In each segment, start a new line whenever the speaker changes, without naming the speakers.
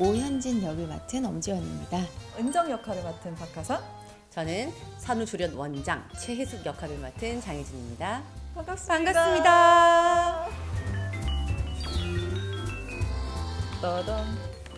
오현진 역을 맡은 엄지원입니다.
은정 역할을 맡은 박하선.
저는 산후조련 원장 최혜숙 역할을 맡은 장혜진입니다.
반갑습니다.
반갑습니다.
따단.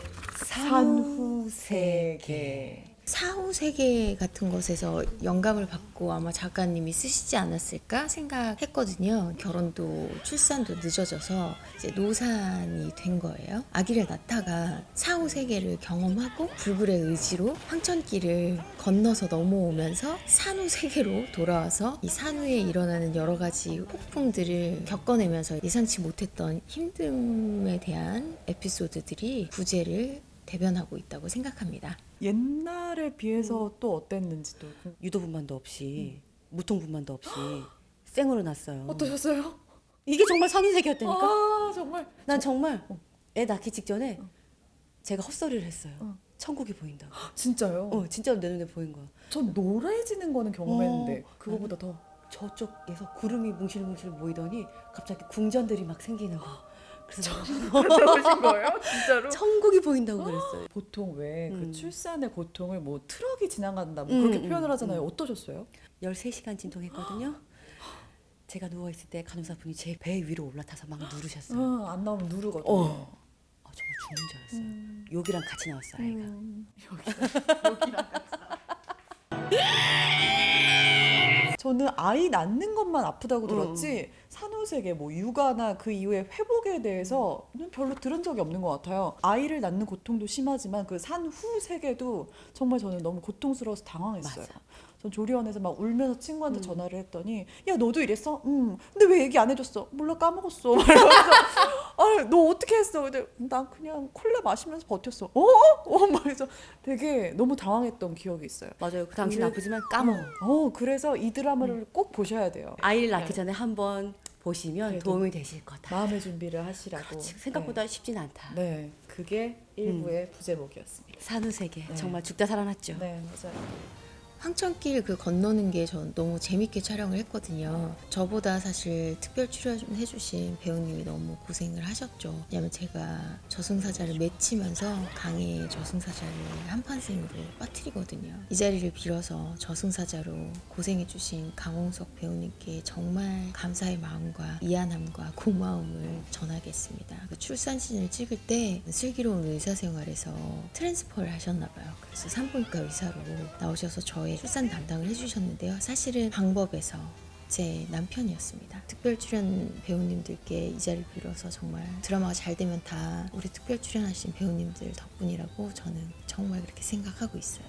산후세계.
사후세계 같은 것에서 영감을 받고 아마 작가님이 쓰시지 않았을까 생각했거든요. 결혼도 출산도 늦어져서 이제 노산이 된 거예요. 아기를 낳다가 사후세계를 경험하고 불굴의 의지로 황천길을 건너서 넘어오면서 산후세계로 돌아와서 이 산후에 일어나는 여러 가지 폭풍들을 겪어내면서 예상치 못했던 힘듦에 대한 에피소드들이 부제를 대변하고 있다고 생각합니다.
옛날에 비해서 또 어땠는지도.
유도분만도 없이 무통분만도 없이 생으로 났어요.
어떠셨어요?
이게 정말 산후세계였다니까.
아 정말.
난 정말 애 낳기 직전에 제가 헛소리를 했어요.
어.
천국이 보인다고.
진짜요?
진짜로 내 눈에 보인 거야.
전 노래지는 거는 경험했는데 그거보다 더.
저쪽에서 구름이 뭉실뭉실 모이더니 갑자기 궁전들이 막 생기는 거. 그래서
그러신 거예요? 진짜로?
천국이 보인다고 그랬어요.
보통 왜 그
음.
출산의 고통을 뭐 트럭이 지나간다 뭐 그렇게 표현을 하잖아요.
음.
어떠셨어요?
13시간 진통했거든요. 제가 누워있을 때 간호사분이 제 배 위로 올라타서 막 누르셨어요.
안 나오면 누르거든요.
정말 죽는 줄 알았어요. 욕이랑 같이 나왔어 아이가.
여기랑 같이. 저는 아이 낳는 것만 아프다고 들었지 산후세계 뭐 육아나 그 이후의 회복에 대해서는 별로 들은 적이 없는 것 같아요. 아이를 낳는 고통도 심하지만 그 산후세계도 정말 저는 너무 고통스러워서 당황했어요.
맞아.
전 조리원에서 막 울면서 친구한테 전화를 했더니 야 너도 이랬어? 근데 왜 얘기 안 해줬어? 몰라 까먹었어. 막 이러면서 너 어떻게 했어? 근데 난 그냥 콜라 마시면서 버텼어. 막 해서 되게 너무 당황했던 기억이 있어요.
맞아요. 그 당신
그래-
아프지만 까먹어.
그래서 이 드라마를 꼭 보셔야 돼요.
아이를 낳기 전에 한번 보시면
그래도
도움이 되실 거다.
마음의 준비를 하시라고.
그렇지. 생각보다 쉽진 않다.
네, 그게 일부의 부제목이었습니다.
산후세계
네.
정말 죽다 살아났죠.
네, 맞아요.
황천길 그 건너는 게 전 너무 재밌게 촬영을 했거든요. 저보다 사실 특별 출연해주신 배우님이 너무 고생을 하셨죠. 왜냐면 제가 저승사자를 맺히면서 강의 저승사자를 한판생으로 빠뜨리거든요. 이 자리를 빌어서 저승사자로 고생해주신 강홍석 배우님께 정말 감사의 마음과 미안함과 고마움을 전하겠습니다. 그 출산신을 찍을 때 슬기로운 의사생활에서 트랜스퍼를 하셨나봐요. 그래서 산부인과 의사로 나오셔서 저의 출산 담당을 해주셨는데요. 사실은 방법에서 제 남편이었습니다. 특별 출연 배우님들께 이 자리를 빌어서 정말 드라마가 잘 되면 다 우리 특별 출연하신 배우님들 덕분이라고 저는 정말 그렇게 생각하고 있어요.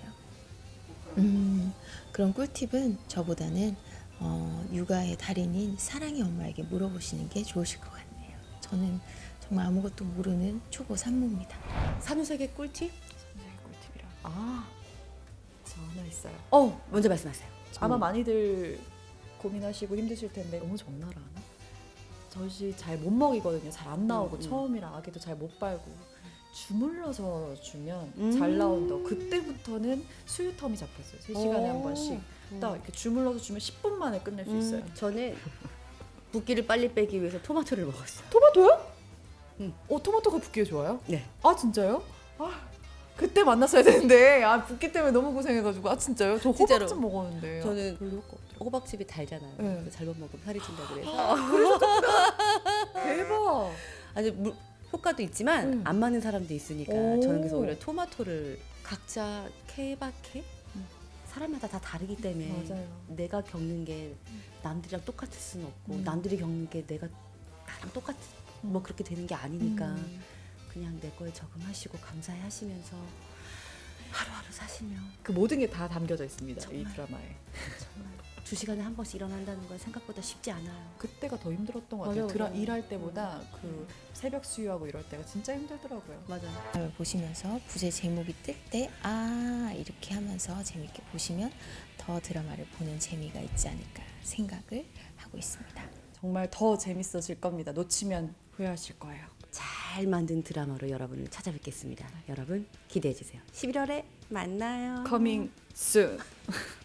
그런 꿀팁은 저보다는 육아의 달인인 사랑의 엄마에게 물어보시는 게 좋으실 것 같네요. 저는 정말 아무것도 모르는 초보 산모입니다.
산후세계 꿀팁?
선생님 꿀팁이라. 저 하나 있어요.
먼저 말씀하세요.
아마 많이들 고민하시고 힘드실 텐데 너무 적나라 하나? 젖이 잘 못 먹이거든요. 잘 안 나오고 처음이라 아기도 잘 못 빨고 주물러서 주면 잘 나온다고. 그때부터는 수유텀이 잡혔어요. 3시간에 한 번씩 딱 이렇게 주물러서 주면 10분 만에 끝낼 수 있어요.
저는 붓기를 빨리 빼기 위해서 토마토를 먹었어요.
토마토요?
응.
토마토가 붓기에 좋아요?
네.
진짜요? 그때 만났어야 되는데 붓기 때문에 너무 고생해가지고 진짜요? 저
진짜로.
호박즙 먹었는데
저는
별로 효과 없더라고요.
호박즙이 달잖아요.
네.
그래서 잘못 먹으면 살이 찐다 그래서
대박.
아주 효과도 있지만 안 맞는 사람도 있으니까
오.
저는 그래서 오히려 토마토를 각자 케바케 사람마다 다 다르기 때문에
맞아요.
내가 겪는 게 남들이랑 똑같을 수는 없고 남들이 겪는 게 내가 나랑 똑같 뭐 그렇게 되는 게 아니니까 그냥 내 거에 적응하시고 감사해 하시면서 하루하루 사시면
그 모든 게 다 담겨져 있습니다.
정말.
이 드라마에.
정말 2시간에 한 번씩 일어난다는 건 생각보다 쉽지 않아요.
그때가 더 힘들었던 것 같아요.
맞아요.
일할 때보다 그 새벽 수유하고 이럴 때가 진짜 힘들더라고요.
맞아요.
드라마를 보시면서 부제 제목이 뜰 때 이렇게 하면서 재밌게 보시면 더 드라마를 보는 재미가 있지 않을까 생각을 하고 있습니다.
정말 더 재밌어질 겁니다. 놓치면 후회하실 거예요.
잘 만든 드라마로 여러분을 찾아뵙겠습니다. 여러분 기대해 주세요. 11월에 만나요.
Coming soon.